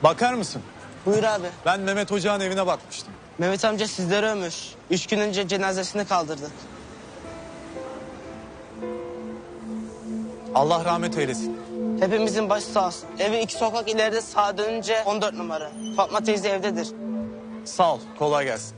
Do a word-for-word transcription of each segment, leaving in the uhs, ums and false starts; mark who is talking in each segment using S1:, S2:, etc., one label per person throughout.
S1: Bakar mısın?
S2: Buyur abi.
S1: Ben Mehmet Hoca'nın evine bakmıştım.
S2: Mehmet amca sizleri övmüş. Üç gün önce cenazesini kaldırdık.
S1: Allah rahmet eylesin.
S2: Hepimizin başı sağ olsun. Evi iki sokak ileride sağa dönünce on dört numara. Fatma teyze evdedir.
S1: Sağ ol, kolay gelsin.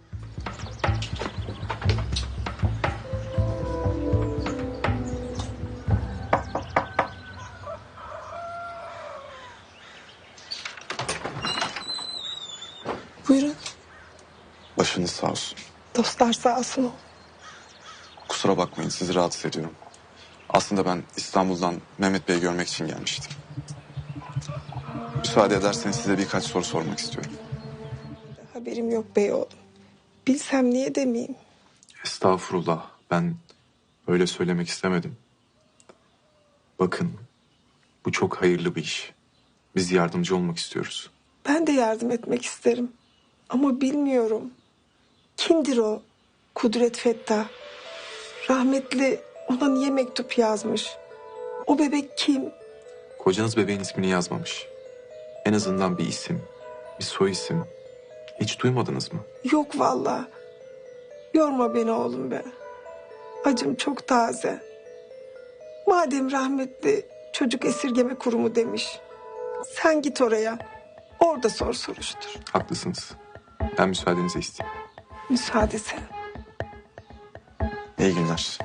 S3: Buyurun.
S4: Başınız sağ olsun.
S3: Dostlar sağ olsun.
S4: Kusura bakmayın, sizi rahatsız ediyorum. Aslında ben İstanbul'dan Mehmet Bey'i görmek için gelmiştim. Müsaade ederseniz size birkaç soru sormak istiyorum.
S3: Haberim yok bey oğlum. Bilsem niye demeyeyim.
S4: Estağfurullah, ben öyle söylemek istemedim. Bakın, bu çok hayırlı bir iş. Biz yardımcı olmak istiyoruz.
S3: Ben de yardım etmek isterim. Ama bilmiyorum. Kimdir o? Kudret Fettah. Rahmetli ona niye mektup yazmış? O bebek kim?
S4: Kocanız bebeğin ismini yazmamış. En azından bir isim, bir soy isim. Hiç duymadınız mı?
S3: Yok vallahi. Yorma beni oğlum be. Acım çok taze. Madem rahmetli çocuk esirgeme kurumu demiş. Sen git oraya. Orada sor soruştur.
S4: Haklısınız. Ben müsaadenizi isteyeyim.
S3: Müsaade senin.
S4: İyi günler.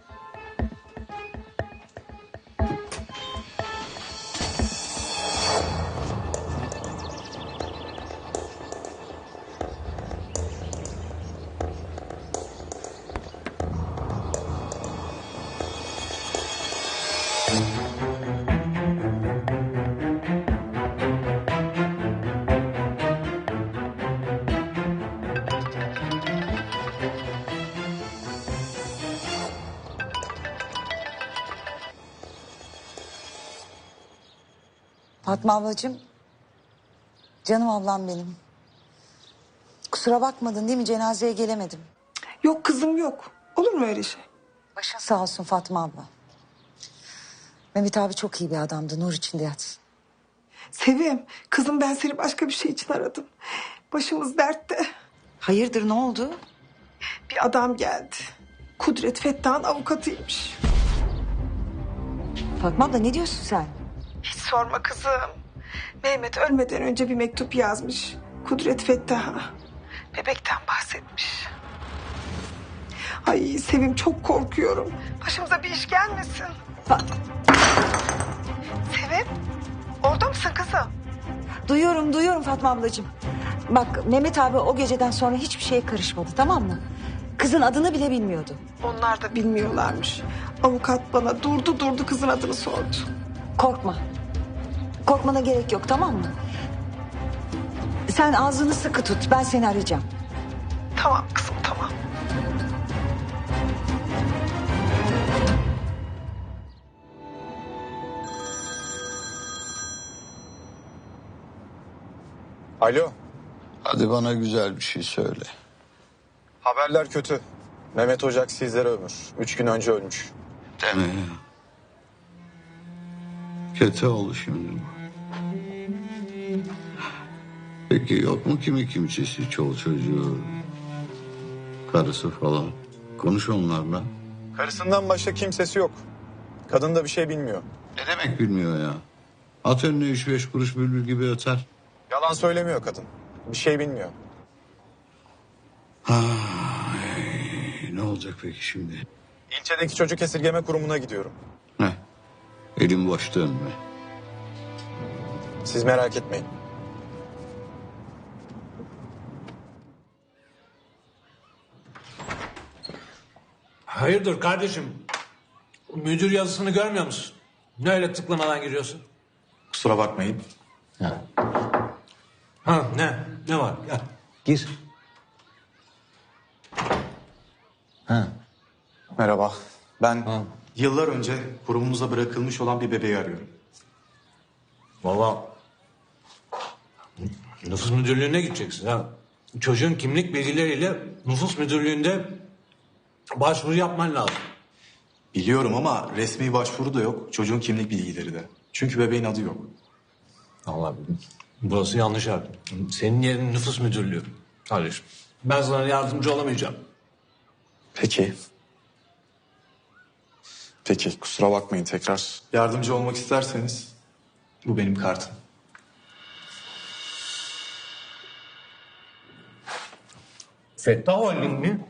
S5: Fatma ablacığım, canım ablam benim. Kusura bakmadın değil mi? Cenazeye gelemedim.
S3: Yok kızım yok. Olur mu öyle şey?
S5: Başın sağ olsun Fatma abla. Mehmet abi çok iyi bir adamdı. Nur içinde yatsın.
S3: Sevim, kızım ben seni başka bir şey için aradım. Başımız dertte.
S5: Hayırdır, ne oldu?
S3: Bir adam geldi. Kudret Fettah'ın avukatıymış.
S5: Fatma abla ne diyorsun sen?
S3: Hiç sorma kızım. Mehmet ölmeden önce bir mektup yazmış. Kudret Fettah'a. Bebekten bahsetmiş. Ay Sevim çok korkuyorum. Başımıza bir iş gelmesin.
S5: Fa-
S3: Sevim, orada mısın kızım?
S5: Duyuyorum, duyuyorum Fatma ablacığım. Bak Mehmet abi o geceden sonra hiçbir şeye karışmadı, tamam mı? Kızın adını bile bilmiyordu.
S3: Onlar da bilmiyorlarmış. Avukat bana durdu durdu kızın adını sordu.
S5: Korkma. Korkmana gerek yok, tamam mı? Sen ağzını sıkı tut, ben seni arayacağım.
S3: Tamam kızım tamam.
S1: Alo,
S6: Hadi bana güzel bir şey söyle.
S1: haberler kötü. Mehmet Hoca sizleri övmüş. Üç gün önce ölmüş.
S6: Deme ya. Kötü oldu şimdi bu. Peki yok mu kimi kimsesi, çol çocuğu, karısı falan? Konuş onlarla.
S1: Karısından başka kimsesi yok. Kadın da bir şey bilmiyor.
S6: Ne demek bilmiyor ya? At önüne üç beş kuruş bülbül gibi öter.
S1: Yalan söylemiyor kadın. Bir şey bilmiyor.
S6: Ay, ne olacak peki şimdi?
S1: İlçedeki çocuk esirgeme kurumuna gidiyorum.
S6: Ne? Elim boş dönme.
S1: Siz merak etmeyin.
S7: Hayırdır kardeşim? Müdür yazısını görmüyor musun? Ne öyle tıklamadan giriyorsun?
S4: Kusura bakmayın.
S7: Ha ne? Ne var? Gel. Gir. Ha.
S4: Merhaba. Ben
S7: Ha.
S4: yıllar önce kurumumuza bırakılmış olan bir bebeği arıyorum.
S7: Vallahi nüfus müdürlüğüne gideceksin ha. Çocuğun kimlik bilgileriyle nüfus müdürlüğünde başvuru yapman lazım.
S4: Biliyorum ama resmi başvuru da yok. Çocuğun kimlik bilgileri de. Çünkü bebeğin adı yok.
S7: Allah Burası yanlış yer. Senin yerin nüfus müdürlüğü. Kardeşim. Ben sana yardımcı olamayacağım.
S4: Peki. Peki kusura bakmayın tekrar. Yardımcı olmak isterseniz bu benim kartım.
S7: Fettah Holding mi?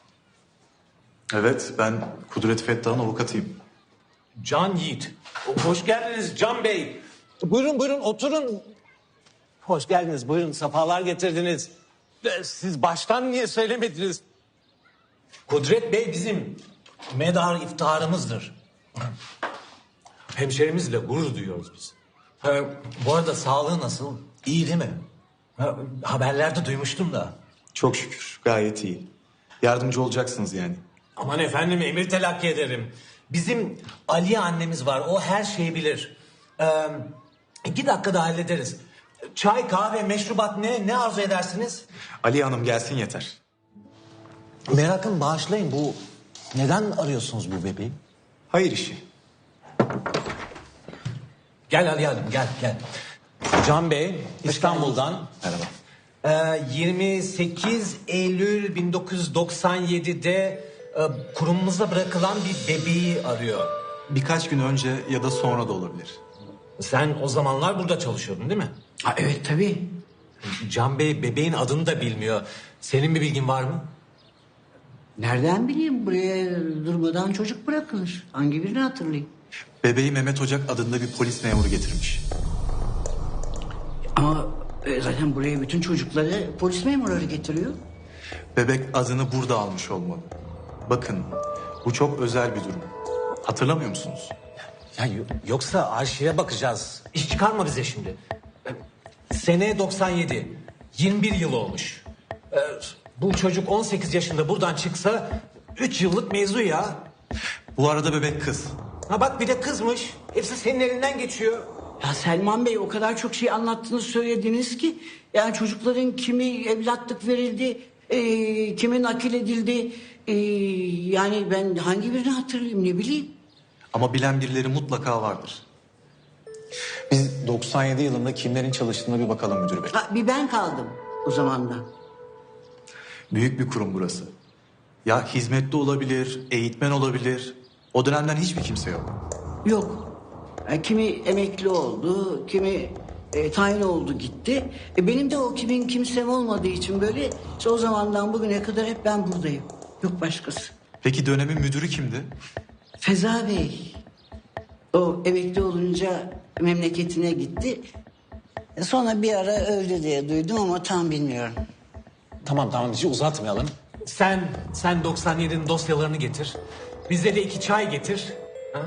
S4: Evet ben Kudret Fettah'ın avukatıyım.
S7: Can Yiğit. Hoş geldiniz Can Bey. Buyurun buyurun oturun. Hoş geldiniz buyurun sefalar getirdiniz. Ee, Siz baştan niye söylemediniz? Kudret Bey bizim medar iftiharımızdır. Hemşerimizle gurur duyuyoruz biz. Ha, bu arada sağlığı nasıl? İyi değil mi? Ha, haberlerde duymuştum da.
S4: Çok şükür gayet iyi. Yardımcı olacaksınız yani.
S7: Aman efendim emir telakki ederim. Bizim Aliye annemiz var. O her şeyi bilir. Ee, iki dakikada hallederiz. Çay, kahve, meşrubat ne? Ne arzu edersiniz?
S4: Ali Hanım gelsin yeter.
S7: Merakım bağışlayın. Bu neden arıyorsunuz bu bebeği?
S4: Hayır işi.
S7: Gel Ali Hanım gel gel. Can Bey İstanbul'dan.
S4: Merhaba.
S7: Ee, yirmi sekiz Eylül bin dokuz yüz doksan yedi'de e, kurumumuza bırakılan bir bebeği arıyor.
S4: Birkaç gün önce ya da sonra da olabilir.
S7: Sen o zamanlar burada çalışıyordun değil mi?
S8: Ha, evet tabii.
S7: Can Bey bebeğin adını da bilmiyor. Senin bir bilgin var mı?
S8: Nereden bileyim buraya durmadan çocuk bırakılır. Hangi birini hatırlayayım?
S4: Bebeği Mehmet Ocak adında bir polis memuru getirmiş.
S8: Ama e, zaten buraya bütün çocukları polis memurları getiriyor.
S4: Bebek adını burada almış olmalı. Bakın bu çok özel bir durum. Hatırlamıyor musunuz?
S7: Ya yo- yoksa arşive bakacağız. İş çıkarma bize şimdi. Ee, Sene doksan yedi. yirmi bir yıl olmuş. Ee, bu çocuk on sekiz yaşında buradan çıksa üç yıllık mevzu ya.
S4: Bu arada bebek kız.
S7: Ha bak bir de kızmış. Hepsi senin elinden geçiyor.
S8: Ya Selman Bey o kadar çok şey anlattınız söylediniz ki... ...yani çocukların kimi evlatlık verildi, e, kimi nakil edildi... E, ...yani ben hangi birini hatırlayayım ne bileyim.
S4: Ama bilen birileri mutlaka vardır. Biz doksan yedi yılında kimlerin çalıştığına bir bakalım müdür bey.
S8: Ha, bir ben kaldım o zamandan.
S4: Büyük bir kurum burası. Ya hizmetli olabilir, eğitmen olabilir. O dönemden hiçbir kimse yok.
S8: Yok. E, kimi emekli oldu, kimi e, tayin oldu gitti. E, benim de o kimin kimsem olmadığı için böyle işte o zamandan bugüne kadar hep ben buradayım. Yok başkası.
S4: Peki dönemin müdürü kimdi?
S8: Feza Bey. O emekli olunca memleketine gitti. E, sonra bir ara öldü diye duydum ama tam bilmiyorum.
S7: Tamam tamam hiç uzatmayalım. Sen sen doksan yedi'nin dosyalarını getir. Bize de iki çay getir. Ha?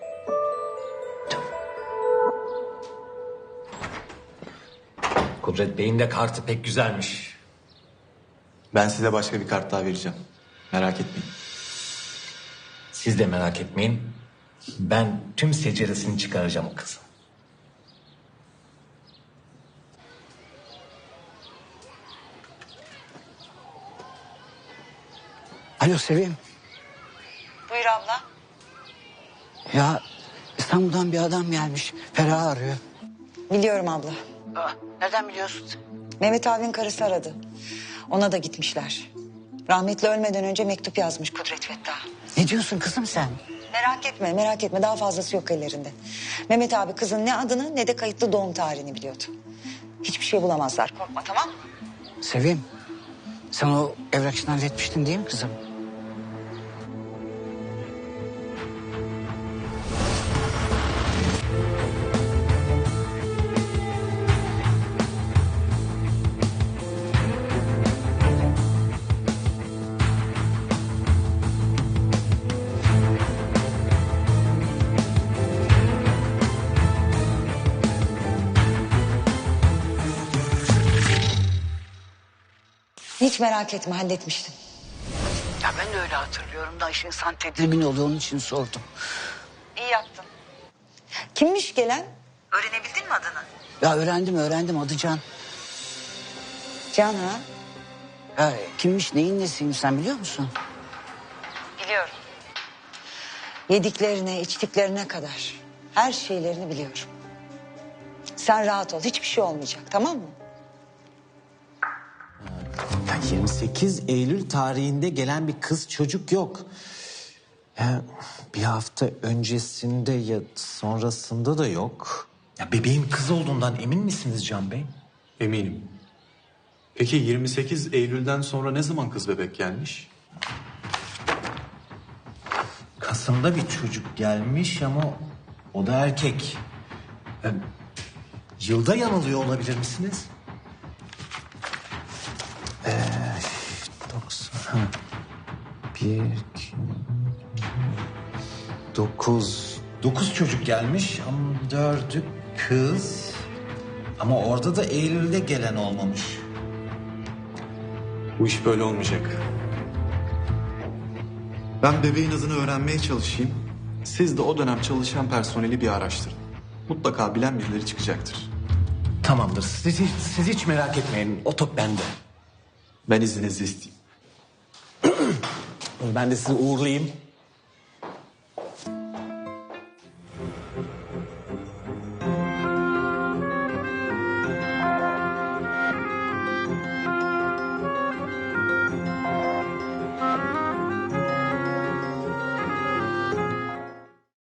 S7: Kudret Bey'in de kartı pek güzelmiş.
S4: Ben size başka bir kart daha vereceğim. Merak etmeyin.
S7: Siz de merak etmeyin. Ben tüm seceresini çıkaracağım o kızın.
S8: Alo Sevim.
S5: Buyur abla.
S8: Ya İstanbul'dan bir adam gelmiş. Ferah arıyor.
S5: Biliyorum abla.
S8: Aa, nereden biliyorsun?
S5: Mehmet abinin karısı aradı. Ona da gitmişler. Rahmetli ölmeden önce mektup yazmış Kudret Fettah.
S8: Ne diyorsun kızım sen?
S5: Merak etme, merak etme. Daha fazlası yok ellerinde. Mehmet abi kızın ne adını ne de kayıtlı doğum tarihini biliyordu. Hiçbir şey bulamazlar. Korkma, tamam mı?
S8: Sevim. Sen o evrak işini halletmiştin değil mi kızım?
S5: Hiç merak etme, halletmiştim.
S8: Ya ben de öyle hatırlıyorum da işte insan tedirgin oluyor onun için sordum.
S5: İyi yaptın. Kimmiş gelen? Öğrenebildin mi adını?
S8: Ya öğrendim öğrendim adı Can.
S5: Can ha?
S8: Ya kimmiş neyin nesiymiş sen biliyor musun?
S5: Biliyorum. Yediklerine, içtiklerine kadar her şeylerini biliyorum. Sen rahat ol. Hiçbir şey olmayacak, tamam mı?
S7: Ya yirmi sekiz Eylül tarihinde gelen bir kız çocuk yok. Ya bir hafta öncesinde ya sonrasında da yok. Ya bebeğin kız olduğundan emin misiniz Can Bey?
S4: Eminim. Peki yirmi sekiz Eylül'den sonra ne zaman kız bebek gelmiş?
S7: Kasım'da bir çocuk gelmiş ama o da erkek. Ya, yılda yanılıyor olabilir misiniz? Ee, doksan. Ha. Bir, iki, dokuz. Dokuz çocuk gelmiş ama dördü kız. Ama orada da Eylül'de gelen olmamış.
S4: Bu iş böyle olmayacak. Ben bebeğin adını öğrenmeye çalışayım. Siz de o dönem çalışan personeli bir araştırın. Mutlaka bilen birileri çıkacaktır.
S7: Tamamdır. Siz, hiç- siz hiç merak etmeyin. O top bende.
S4: Ben izninizi isteyeyim.
S7: Ben de sizi uğurlayayım.